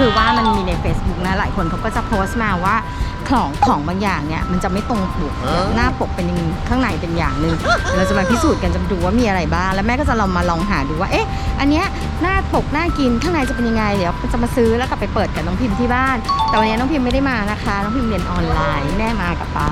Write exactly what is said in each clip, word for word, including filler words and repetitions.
คือว่ามันมีใน Facebook นะหลายคนเขาก็จะโพสต์มาว่าของของบางอย่างเนี่ยมันจะไม่ตรงปกหน้าปกเป็นข้างในเป็นอย่างหนึ่งเราจะมาพิสูจน์กันจะดูว่ามีอะไรบ้างแล้วแม่ก็จะลองมาลองหาดูว่าเอ๊ะอันเนี้ยหน้าปกน่ากินข้างในจะเป็นยังไงเดี๋ยวจะมาซื้อแล้วกลับไปเปิดกับน้องพิมพ์ที่บ้านแต่วันนี้น้องพิมพ์ไม่ได้มานะคะน้องพิมพ์เรียนออนไลน์แม่มากับป๊า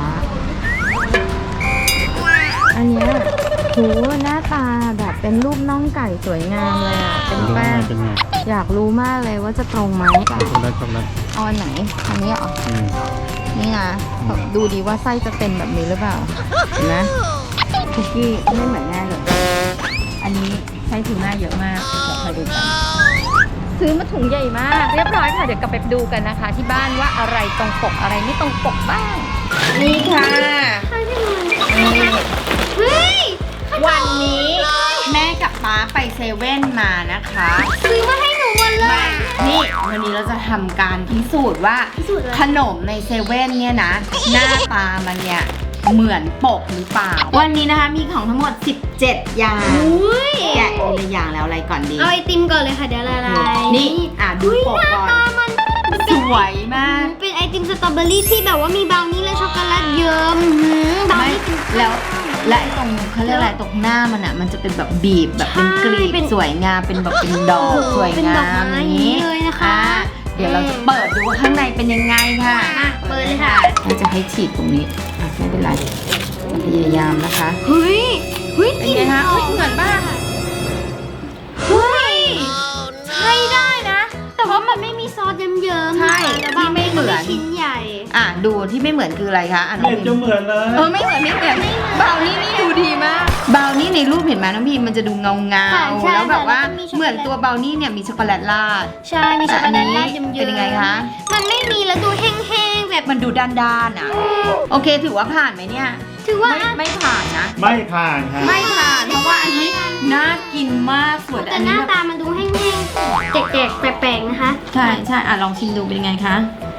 อันเนี้ยโหหน้าตาแบบเป็นรูปน่องไก่สวยงามเลยอ่ะเป็นแป้งอยากรู้มากเลยว่าจะตรงไหมช็อกโกแลตช็อกโกแลตเอาอันไหนอันนี้เหรอนี่นะดูดีว่าไส้จะเต็มแบบนี้หรือเปล่าเห็นไหมคุกกี้ไม่เหมือนแน่เลยอันนี้ไส้ทูน่าเยอะมากเดี๋ยวคอยดูกันซื้อมาถุงใหญ่มากเรียบร้อยค่ะเดี๋ยวกลับไปดูกันนะคะที่บ้านว่าอะไรตรงปกอะไรไม่ตรงปกบ้างนี่ค่ะนี่เฮ้ยวันนี้แม่กับป๊าไปเซเว่นมานะคะซื้อมาให้หนูหมดเลยนี่วันนี้เราจะทำการพิสูจน์ว่าขนมในเซเว่นเนี่ยนะหน้าตามันเนี่ยเหมือนปกหรือเปล่าวันนี้นะคะมีของทั้งหมดสิบเจ็ดอย่างแกะทีละอย่างแล้วอะไรก่อนดีเอาไอติมก่อนเลยค่ะเดี๋ยวละลายนี่อ่ะดูปกก่อนสวยมากเป็นไอติมสตรอเบอรี่ที่แบบว่ามีบราวนี่และช็อกโกแลตเยิ้มไม่แล้วและไอ้ตรงเขาเรียกอะไรตรงหน้ามันอ่ะมันจะเป็นแบบบีบแบบเป็นกลีบสวยงามเป็นแบบเป็นดอกสวยงามอย่างนี้เลยนะคะเดี๋ยวเราจะเปิดดูว่าข้างในเป็นยังไงค่ะเปิดเลยค่ะเราจะให้ฉีดตรงนี้ไม่เป็นไรพยายามนะคะเฮ้ยเฮ้ยเป็นไงคะเฮ้ยเหมือนบ้างเฮ้ยใช่ได้นะแต่ว่ามันไม่มีซอสเยิ้มๆใช่ที่ไม่เหมือนชิ้นใหญ่อ่ะดูที่ไม่เหมือนคืออะไรคะอ่ะน้องพิมจะเหมือนเลยเออไม่เหมือนไม่เหมือนบราวนี่นี่ดูดีมากบราวนี่ในรูปเห็นไหมน้องพิมมันจะดูเงาเงาแล้วแบบว่าเหมือนตัวบราวนี่เนี่ยมีช็อกโกแลตราดใช่มีช็อกโกแลตราดเยิ้มๆเป็นยังไงคะมันไม่มีแล้วดูแห้งๆแบบมันดูด้านๆอ่ะโอเคถือว่าผ่านไหมเนี่ยถือว่าไม่ผ่านนะไม่ผ่านค่ะไม่ผ่านเพราะว่าอันนี้น่ากินมากสวยแต่หน้าตามันดูแห้งๆแจกๆแปลกๆนะคะใช่ใช่อ่ะลองชิมดูเป็นยังไงคะ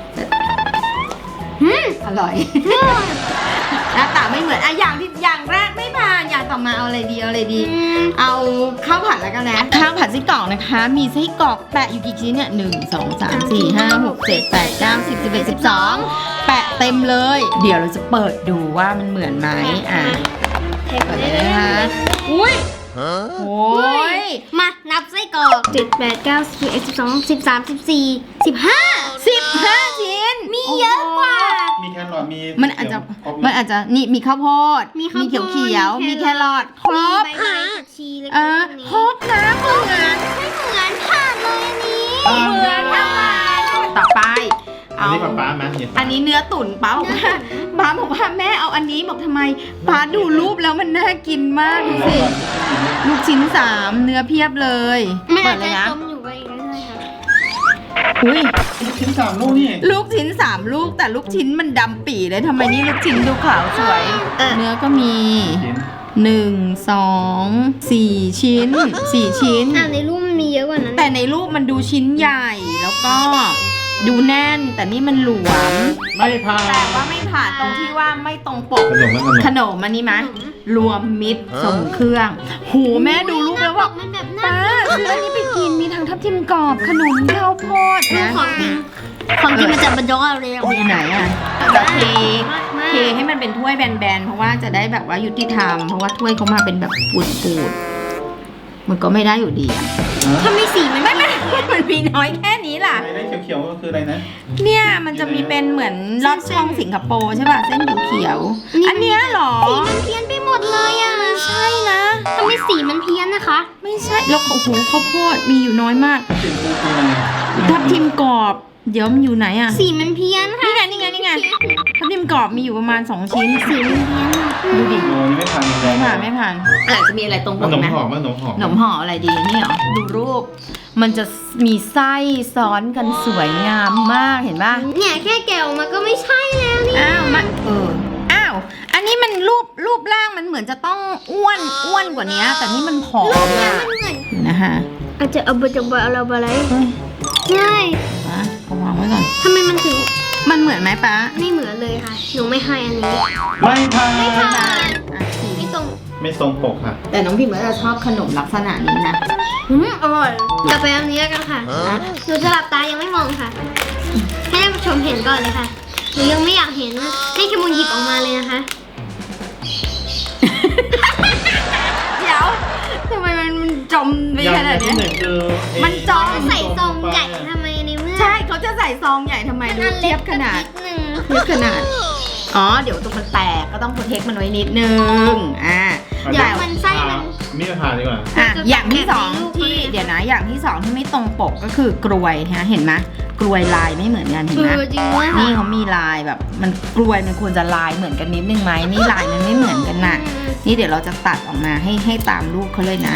อืมอร่อยหน้าตาไม่เหมือนอ่ะอย่างที่อย่างแรกไม่ผ่านอย่างต่อมาเอาอะไรดีเอาอะไรดีเอาข้าวผัดแล้วกันนะข้าวผัดไส้กรอกนะคะมีไส้กรอกแปะอยู่กี่ชิ้นเนี่ยหนึ่งสองสามสี่ห้าหกเจ็ดแปดเก้าสิบสิบเอ็ดสิบสองแปะเต็มเลยเดี๋ยวเราจะเปิดดูว่ามันเหมือนไหมอ่ะเปิดเลยนะคะอุ้ยโอ้ยมานับไส้กรอกเจ็ดแปดเก้าสิบเอ็ดสิบสองสิบสามสิบสี่สิบห้าสิบห้าชิ้นมีเยอะกว่ามีแครอทมีมันอาจจะมันอาจจะนี่มีข้าวโพดมีเขียวเขียวมีแครอทครบค่ะชีเล็กๆครบนะเหมือนไม่เหมือนผ่านเลยอันนี้เหมือนค่ะต่อไปอันนี้ป้าไหมอันนี้เนื้อตุ๋นป้าบอกว่าป้าบอกว่าแม่เอาอันนี้บอกทำไมป้าดูรูปแล้วมันน่ากินมากดูสิลูกชิ้นสามเนื้อเพียบเลยเปิดเลยนะอยู่ไปอีกเลยค่ะอุ้ยลูกชิ้นสามลูกนี่ลูกชิ้นสามลูกแต่ลูกชิ้นมันดำปี่เลยทำไมนี่ลูกชิ้นดูขาวสวยเนื้อก็มีหนึ่งสองสี่ชิ้นสี่ชิ้นอ่ะในรูปมันมีเยอะกว่านั้นแต่ในรูปมันดูชิ้นใหญ่แล้วก็ดูแน่นแต่นี่มันหลวมไม่ผ่านแต่ว่าไม่ผ่านตรงที่ว่าไม่ตรงปกขนมขนมอันนี้ไหมรวมมิตรส่งเครื่องโหแม่ดูรูปแล้วบอกป้าซื้ออันนี้ไปกินมีทั้งทับทิมกรอบขนมข้าวโพดนะของจริงของจริงมันจะบรรยกอะไรมีอันไหนอ่ะจะเทเทให้มันเป็นถ้วยแบนๆเพราะว่าจะได้แบบว่ายุติธรรมเพราะว่าถ้วยเขามาเป็นแบบปูดๆมันก็ไม่ได้อยู่ดีอ่ะถ้าไม่สีมันไม่ไม่มันมีน้อยแค่นี้ล่ะอะไรเขียวๆก็คืออะไรนะเนี่ยมันจะมีเป็นเหมือนลอดช่องสิงคโปร์ใช่ป่ะเส้นเขียวอันเนี้ยหรอสีมันเพี้ยนไปหมดเลยอ่ะใช่นะทำไมสีมันเพี้ยนนะคะไม่ใช่แล้วโอ้โหข้าวโพดมีอยู่น้อยมากทับทิมกรอบเดี๋ยวมันอยู่ไหนอ่ะสีมันเพี้ยนค่ะนี่ไงนี่ไงนี่ไงทับทิมกรอบมีอยู่ประมาณสองชิ้นสีมันเพี้ยนดูดิไม่ผ่านไม่ผ่านไม่ผ่านอาจจะมีอะไรตรงปกไหมขนมห่อขนมห่อขนมห่ออะไรดีนี่หรอดูรูปมันจะมีไส้ซ้อนกันสวยงามมากเห็นป่ะเนี่ยแค่แกะออกมาก็ไม่ใช่แล้วนี่อ้าวมันเอออ้าวอันนี้มันรูปรูปร่างมันเหมือนจะต้องอ้วนอ้วนกว่านี้แต่นี่มันผอมอ่ะนะคะอาจจะเอาไปจะไปเอาอะไรใช่เอาวางไว้ก่อนทำไมมันถึงมันเหมือนไหมป้าไม่เหมือนเลยค่ะหนูไม่ให้อันนี้ไม่ผ่านไม่ผ่านไม่ตรงไม่ตรงปกค่ะแต่น้องพิมพ์ก็จะชอบขนมลักษณะนี้นะอืมอร่อยต่อไปอันนี้แล้วกันค่ะหนูจะหลับตายังไม่มองค่ะ ให้ท่านผู้ชมเห็นก่อนเลยค่ะหนูยังไม่อยากเห็นนะให้เคมูลหยิบออกมาเลยนะคะเดี๋ยวทำไมมันจมไปขนาดที่นี้หนึ่งคือไอ้มันจองใส่ซองใหญ่ทำไมในเมื่อใช่เขาจะใส่ซองใหญ่ทำไมดูอันเทีเล็ยกบขนาดนิดนึงเทียบขนาด อ๋อ เดี๋ยวตรงมันแตกก็ต้องโปรเทคมันไว้นิดนึง อ่าเดี๋ยวมันไส้มันมีดผ่าดีกว่าอ่ะจะอย่างที่สองแกะในรูปที่เลยเดี๋ยวนะ อย่างที่สองที่ไม่ตรงปกก็คือกลวยฮะ เห็นไหมกลวยลายไม่เหมือนกันเห็นเอไหมอจริงด้วยค่ะนี่เขามีลายแบบ มันกลวยมันควรจะลายเหมือนกันนิดนึงไหมนี่ลายมันไม่เหมือนกันน่ะ นี่เดี๋ยวเราจะตัดออกมาให้ให้ตามรูปเขาเลยนะ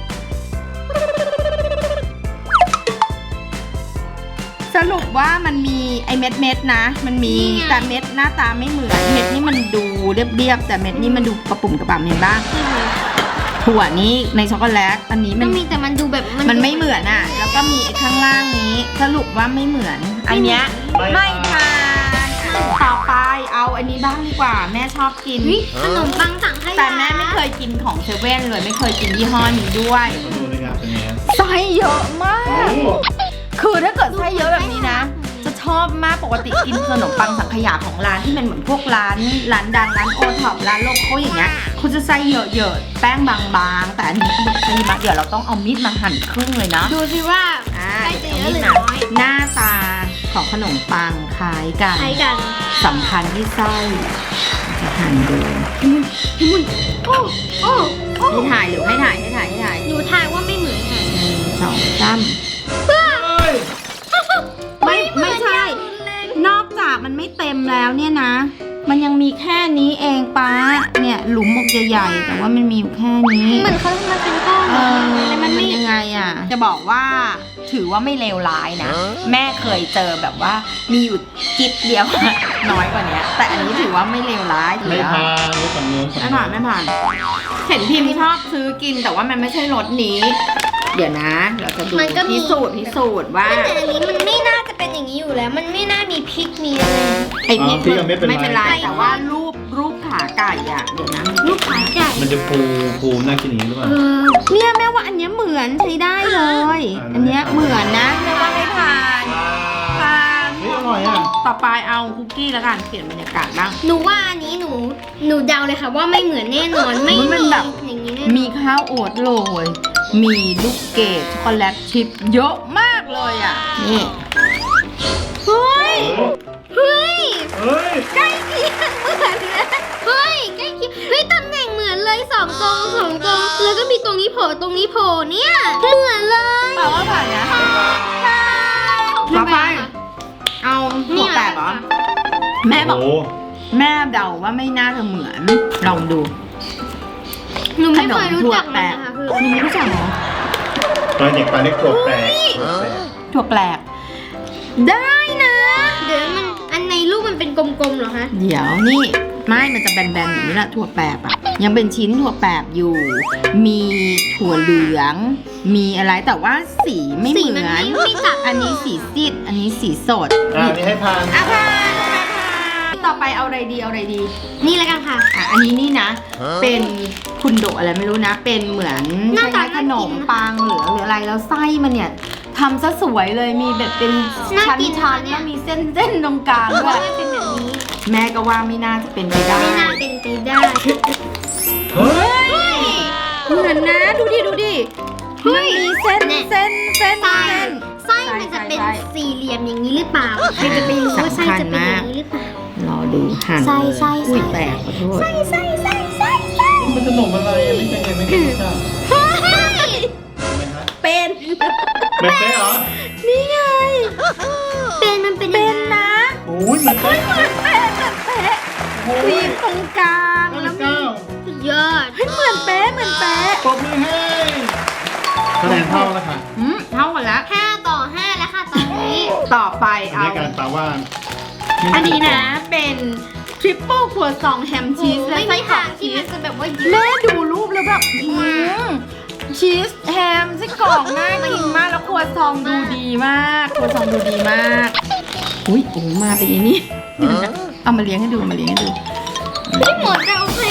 สรุปว่ามันมีไอเม็ดเม็ดๆนะ มันมีนี่ไงแต่เม็ดหน้าตาไม่เหมือน เม็ดนี่มันดูเรียบๆแต่เม็ดนี่มันดูกระปุ่มกระป่ำเห็นบ้างถั่วนี้ในช็อกโกแลตอันนี้มัมัน นมีแต่มันดูแบบมันไม่เหมือนอ่ะ แล้วก็มีไอ้ข้างล่างนี้ สรุปว่าไม่เหมือน อันเนี้ยไม่ไม่ทานต่อไปเอาอันนี้บ้างดีกว่า แม่ชอบกินเฮ้ยขนมปังสังขยาแต่แม่ไม่เคยกินของเซเว่นเลยไม่เคยกินยี่ห้อนี้ด้วยมาดูในงานเป็นไงไส้เยอะมาก คือถ้าเกิดไส้เยอะแบบนี้นะ จะชอบมากปกติกินขนมปังสังขยาของร้านที่เป็นเหมือนพวกร้านร้านดังร้านโอท็อปร้านโลโก้อย่างเงี้ยคุณจะไส้เยอะๆแป้งบางๆแต่อันนี้เขาบอกไส้มากเดี๋ยวเราต้องเอามีดมาหั่นครึ่งเลยเนาะดูสิว่าอ่าไส้จะเยเอาอะมีหดรือมาน้อยหน้าตาของขนมปังคล้ายกันใช้กันสำคัญที่ไส้จะหั่นดูโอ้โอ้โอ้ให้ถ่ายหรือให้ถ่ายให้ถ่ายให้ถ่ายหนูทายว่าไม่เหมือนค่ะหนึ่งสองสามเฮ้ยไม่ไม่ใช่ นอกจากมันไม่เต็มแล้วเนี่ยนะ มันยังมีแค่นี้เองป้า เนี่ยหลุมหมกใหญ่ๆแต่ว่ามันมีอยู่แค่นี้เหมือนเขาทำมาเป็นก้อนเออแต่มัมัน นไม่ยังไงอ่ะ จะบอกว่าถือว่าไม่เลวร้ายนะ แม่เคยเจอแบบว่ามีอยู่จิ๊บเดียว น้อยกว่านี้แต่อันนี้ถือว่าไม่เลวร้ายถือไม่ว่าผ่านรู้ฝั่งนู้นไม่ผ่านไม่ผ่าน เห็นพิมพ์ชอบซื้อกินแต่ว่ามันไม่ใช่รสนี้ เดี๋ยวนะ เราจะดูพิสูจน์พิสูจน์ว่าแต่อันนี้มันไม่น่าจะเป็นอย่างนี้อยู่แล้ว มันไม่น่ามีพริกมีอะไรไอพริกพี่ก็ไม่เป็นไม่เป็นไรไรแต่ว่ารูปรูปขาไก่อ่ะเดี๋ยวนะลูกขาใหญ่มันจะฟูฟูน่ากินอย่างนี้หรือเปล่าเออเนี่ยแม่ว่าอันเนี้ยเหมือนใช้ได้เลยอ่าอันเนี้ยเหมือนนะแม่ว่าไม่ผ่านผ่านเฮ้ยอร่อยอ่ะต่อไปเอาคุกกี้แล้วกันเปลี่ยนบรรยากาศบ้างหนูว่าอันนี้หนู หนูเดาเลยค่ะว่าไม่เหมือนแน่นอน ไม่มันมีแบบอย่างนี้แน่นอนมีข้าวโอ๊ตโรยมีลูกเกดช็อกโกแลตชิพเยอะมากเลยอ่ะนี่เฮ้ย เฮ้ยเฮ้ยใกล้เคียงเหมือนเลยเฮ้ย ใกล้เคียงเฮ้ยตำแหน่งเหมือนเลยสองตรงสองตรง แล้วก็มีตรงนี้โผล่ตรงนี้โผล่เนี่ย เหมือนเลยแปลว่าผ่านนะต่อไปเอาหัวแตกเหรอแม่บอกโอ้แม่เดาว่าไม่น่าจะเหมือน ลองดูหนูขไม่นเคมยรู้ถั่วจักแปมันลกนะคะคือคุณไม่รู้จักเหรอตอนเด็กปลาเล็กตัวแปลกตัวแปลกถั่วแปลก ได้นะเดี๋ยวมัน อันในรูปมันเป็นกลมๆเหรอคะเดี๋ยวนี่ ไม่มันจะแบนๆอย่างนี้แหละถั่วแปบอะยังเป็นชิ้นถั่วแปบอยู่ มีถั่วเหลือง มีอะไรแต่ว่าสีไม่เหสีมืมันอนไม่ไม่จับอันนี้สีซีดอันนี้สีสดอ่านี่ให้ผ่านอ่ะค่ะต่อไปเอาอะไรดีเอาอะไรดีนี่แล้วกันค่ะอ่ะอันนี้นี่นะ เป็นคุณโดอะไรไม่รู้นะ เป็นเหมือนหน้าตาขนมปังหรือหรืออะไรแล้วไส้มันเนี่ยทำซะสวยเลยมีแบบเป็นน่าชั้นกินชั้นนะเนี่แล้ยวมีเส้นเส้นตรงกลางเพราะด้วว่าย มันเป็นแบบนี้แม่ก็ว่าไม่น่าจะเป็นไปได้ไม่น่าเป็นไปได้เฮ้ยเฮ้ยเหมือนนะดูดิดูดิเฮ้มันยมีเส้นเนี่ยเส้นเส้นไส้เส้นไส้มันจะเป็นใช่สี่เหลี่ยมอย่างนี้หรือเปล่า ใครจะไปรู้ว่าไส้จะเป็นอย่างนี้หรือเปล่ารอดูหั่นไส้ไส้ไส้อุ้ยแตกขอโทษไส้ไส้ไส้ไส้ไส้มันขนมอะไรอ่ะไม่เคยเห็นไม่เคยรู้จักเฮ้ยเห็นไหมฮะเป็นเป็นเป๊ะเหรอนี่ไงเป็นมันเป็นเป็นนะโอ้ยเหมือนเป๊ะเหมือนเป๊ะเหมือนเป๊ะโอ้ครียมตรงกลางเก้าแล้สิวบมีเก้าสุดยอดเฮ้ยเหมือนเป๊ะเหมือนเป๊ะปรบมือให้คะแนนเท่าแล้วค่ะอืมเท่ากันแล้วห้าต่อห้าแล้วค่ะตอนนี้ต่อไปอันเอานี้การตาว่าอันนี้นะเป็นทริปเปิลครัวซองแฮมชีสและไม่ไส้มีกรอทาก งที่ชีมัสนจะแบบว่าเยแม่อะดูรูปแล้วแบบหืมชีสแฮมไส้กรอกน่ากินมากแล้วครัวซองดูดีมากครัวซองดูดีมากอุ้ยโอ้มาเป็นอย่างนี้เดี๋ยวนะเอามาเลี้ยงให้ดูเอามาเลี้ยงให้ดูไม่หมดจะโอเค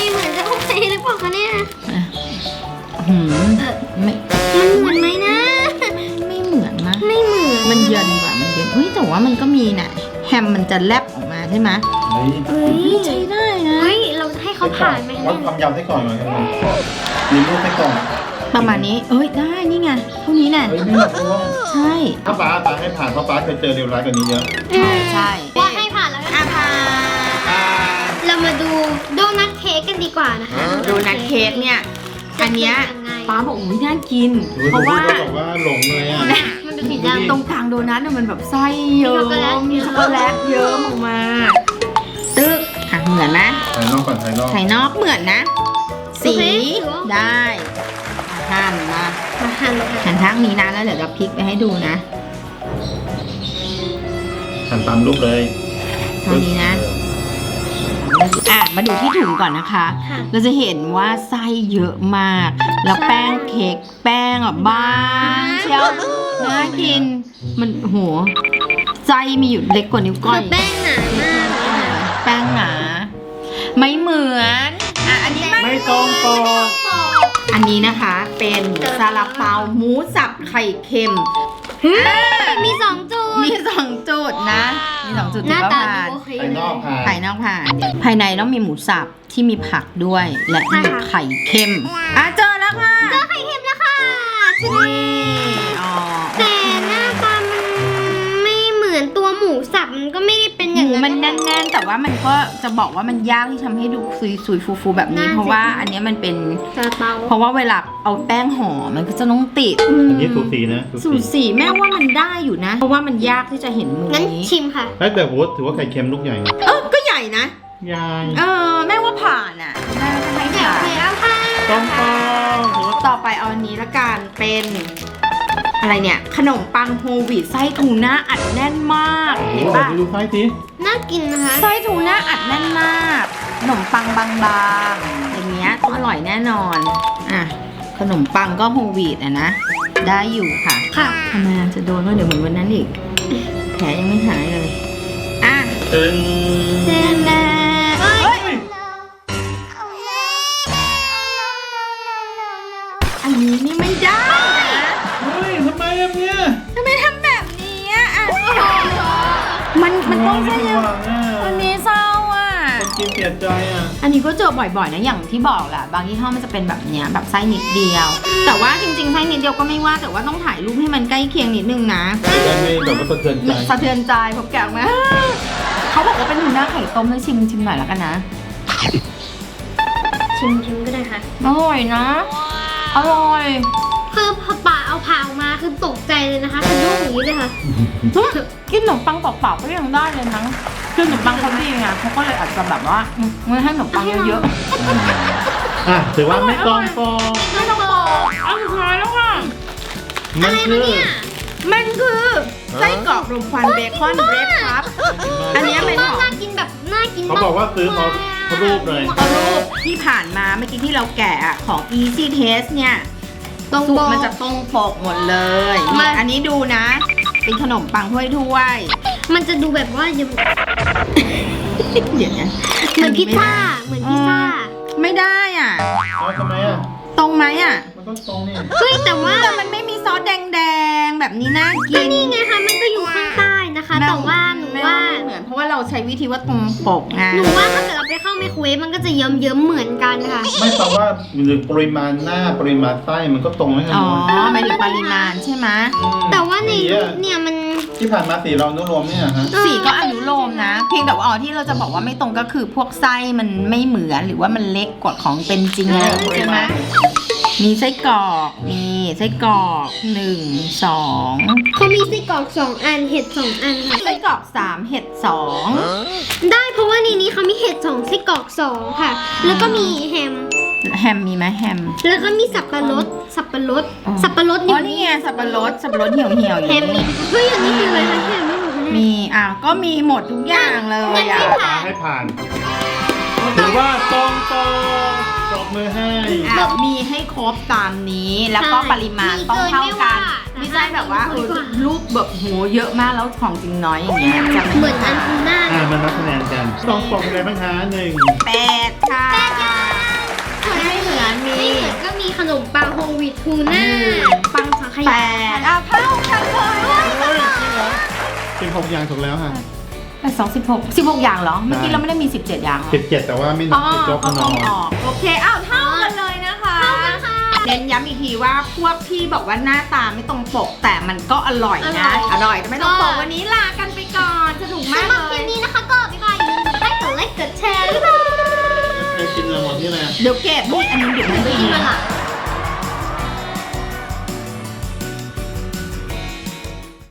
เหมือนจะโอเคหรือเปล่าคะเนี่ยหืมไม่มันเหมือนไหมนะไม่เหมือนนะไม่เหมือนมันเย็นกว่ามันเย็นเฮ้ยแต่ว่ามันก็มีน่ะแฮมมันจะแลบออกมาใช่ไหมเฮ้ยเฮ้ยใช้ได้นะเฮ้ยเราให้เขาผ่านไหมวัดความยาวไส้กรอกหน่อยครับมีรูปไส้กรอกประมาณนี้เอ้ยได้นี่ไงเท่านี้น่ะเฮ้ยไม่หรอกว่าใช่ถ้าป้าตาให้ผ่านเพราะป้าเคยเจอเรียวร้ายกว่านี้เยอะใช่ใช่ว่าให้ผ่านแล้วกันอาพาเรามาดูโดนัทเค้กกันดีกว่านะคะโดนัทเค้กเนี่ยอันเนี้ยจะเป็นยังไงป้าบอกอุ้ยน่ากินดูเพราะว่าดูบอกว่าหลงเลยอ่ะมันเป็นสีดูดิดำตรงกลางโดนัทน่ะมันแบบไส้เยิ้มมีมีช็ช็ออก กโกโกแลแลตตเยิ้มออกมาตึ๊กอ่ะเหมือนไหมภายนอกก่อนภายนอกภายนอกเหมือนนะ สีได้หั่นมามาหั่นเลยค่ะหั่นทั้งนี้นะแล้วเดี๋ยวเราพลิกไปให้ดูนะหันตามรูปเลยเท่านี้นะ อ่ะมาดูที่ถุงก่อนนะคะค่ะเราจะเห็นว่าไส้เยอะมาก แล้วแป้งเค้กแป้งอ่ะบางเชียวน่ากิน มันโหไส้มีอยู่เล็กกว่านิ้วก้คือ อย แป้งหนามากเลยค่ะแป้งหนา ไม่เหมือนอ่ะอันนี้ไม่ไม่ตรงปกอันนี้นะคะเป็นซาลาเปาหมูสับไข่เค็มมีสองจุดมีสองจุดนะ มีสองจุดหน้าถือว่าตาผ่านดูโอเคภายนอกผ่านภายนอกผ่านภายในต้องมีหมูสับที่มีผักด้วย และใช่มีค่ะไข่เค็มอ่ะเจอแล้วค่ะเจอไข่เค็มแล้วค่ะชนิดนี่อ๋อแต่หน้าตามันไม่เหมือนตัวหมูสับมันก็ไม่ได้เป็นอหย่างมูนั้นมันแน่นๆ แต่ว่ามันก็จะบอกว่ามันยากที่ทำให้ดูซุยๆฟูๆแบบนี้ เพราะว่าอันเนี้ยมันเป็นซาลาเปาเพราะว่าเวลาเอาแป้งห่อมันก็จะต้องติดอันนี้สูสีนะสูตรสีแม่ว่ามันได้อยู่นะ เพราะว่ามันยากที่จะเห็นมุมงั้นนี้ชิมค่ะเฮ้ยแต่โหถือว่าไข่เค็มลูกใหญ่เออก็ใหญ่นะใหญ่เออแม่ว่าผ่านอ่ะแม่ว่าจะให้เดี๋ยวผ่านแล้วค่ะตรงปกถือว่าต่อไปเอาอันนี้ละกันเป็นอะไรเนี่ย ขนมปังโฮลวีตไส้ทูน่าอัดแน่นมาก เห็นโอ้โหปะดูไส้สิน่ากินนะคะไส้ทูน่าอัดแน่นมากขนมปังบางๆอย่างเงี้ยต้องอร่อยแน่นอนอ่ะขนมปังก็โฮลวีตอะนะได้อยู่ค่ะค่ะทำไมอ่ะจะโดนว่าเดี๋ยวเหมือนวันนั้นอีกแผลยังไม่หายเลยอ่ะตึงเจนแดเอ้ยอันนี้นี่ไม่ได้นะเฮ้ยทำไมอะเนี่ยทำไมทำแบบนี้อ่ะอ่ะมันมันต้องใช่ไม่ยังหวังอ่ะวันนี้เศร้าอ่ะคนกินเสียใจอ่ะอันนี้ก็เจอบ่อยๆนะอย่างที่บอกแหละบางยี่ห้อมันจะเป็นแบบเนี้ยแบบไส้นิดเดียว แต่ว่าจริงๆไส้นิดเดียวก็ไม่ว่าแต่ว่าต้องถ่ายรูปให้มันใกล้เคียงนิดนึงนะได้ไม่แบบว่าสะเทือนใจสะเทือนใจผมแกะออกมาเขาบอกว่าเป็นทูน่าไข่ต้มให้ชิมชิมหน่อยแล้วกันนะชิมชิมก็ได้ค่ะอร่อยนะอร่อยคือพอป่าเอาผ่าออกมาคือตกใจเลยนะคะคือยุ่งอย่างนี้เลยค่ะกินขนมปังเปล่าๆก็ยังได้เลยนะคือขนมปังเขาดีไงเขาก็เลยอาจจะแบบว่าไม่ให้ขนมปังเยอะอ่ะถือว่าไม่ตรงปกๆไม่ต้องบอกเอาสุดท้ายแล้วค่ะมัอะนไรคืมาอเนี่ยมันคือไส้กรอกรมควันเบคอนเบรดครับ อันเนี้ยเป็นของน่ากินแบบน่ากินเขาบอกว่าซื้อเขาเขารูปเลยเอารูปที่ผ่านมาเมื่อกี้ที่เราแกะอะของ Easy Taste เนี่ยตรงสูโบตรมันจะตรงปกหมดเลยมานี่อันนี้ดูนะ เป็นขนมปังถ้วยถ้วยมันจะดูแบบว่ายังๆเดี๋ยวนะเหมือนพิซซ่าเหมือนพิซซ่าไม่ได้อ่ะเอาทำไมอ่ะตรงไหมอ่ะมันต้องตรงนี่เฮ้ยแต่ว่าแต่มันไม่มีซอสแดงๆ แบบนี้น่ากิก็นนี่ไงคะมันก็อยู่ข้างใต้นะคะ แต่ว่าหนูว่าไม่เหมือนเพราะว่าเราใช้วิธีว่าตรงปกไงหนูว่าถ้าเกิดเราไปเข้าไมโครเวฟมันก็จะเยิ้มๆเหมือนกันค่ะไม่แต่ว่าหรือปริมาณหน้าปริมาณไส้มันก็ตรงให้กันอ๋อหมดหมายถึงปริมาณใช่ไหมมแต่ว่าในสีรูอะปเนี่ยมันที่ผ่านมาสีเรานุรวมเนี่ยฮะสีก็อนุโลมนะ เพียงแต่ว่าอ๋อที่เราจะบอกว่าไม่ตรงก็คือพวกไส้มันไม่เหมือนหรือว่ามันเล็กกว่าของเป็นจริงอะไรอย่างงี้ใช่ไหมมีไส้กรอกมีไส้กรอกหนึ่งสองเขามีไส้กรอกสองอันเห็ดสองอันค่ะไส้กรอกสามเห็ดสองได้เพราะว่าในนี้เขามีเห็ดสองไส้กรอกสองค่ะ แล้วก็มีแฮมแฮมมีไหมแฮมแล้วก็มีสับปะรดสับปะรดอ๋อสับปะรดอ๋อนี่ไงสับปะรดสับปะรดเหี่ยวเหี่ยวๆอแฮย่างมมีนี้เฮ้ยอันนี้คืออะไรคะแฮมไม่หมดเลยมีอ่ะก็มีหมดทุกอย่างเลยอ่ะตาให้ผ่านถือว่าตรงปกปรบมือให้อ่ะมีให้ครบตามนี้แล้วก็ปริมาณต้องเท่ากันไม่ใช่แบบว่าเออรูปแบบโหเยอะมากแล้วของจริงน้อยอย่างเงี้ยจะเหมือนอันทูน่าอ่ามันนับคะแนนกันตองปกอะไรบ้างคะหนึ่งแปดค่ะไม่เหมือนมีไม่เหมือนก็มีขนมปังโฮลวีตทูน่าปังสังขแปยาดอ้าวเท่ากันเลยเฮ้ยจริงเหรอสิบหกอย่างถูกแล้วค่ะแปดสองสิบหกสิบหกอย่างเหรอเมื่อกี้เราไม่ได้มีสิบเจ็ดอย่างเหรอสิบเจ็ดแต่ว่าไม่นัอ๋บอติดลบก็นต้อองนออกโอเคอ้าวเท่ากันเลยนะคะเท่ากันค่ะเน้นย้ำอีกทีว่าพวกที่บอกว่าหน้าตาไม่ตรงปกแต่มันก็อร่อยนะ อร่อยแต่ไม่ตรงปกวันนี้ลากันไปก่อนสนุกมากสำหรับเลคลิยปนี้นะคะก็บ๊ายบายอย่าลืมกดไลค์กดไลค์กดแชร์บ๊ายบายใครกินเราหมดที่ไหนเดี๋ยวเก็บนี่อันนี้เดี๋ยวมันกินมาละ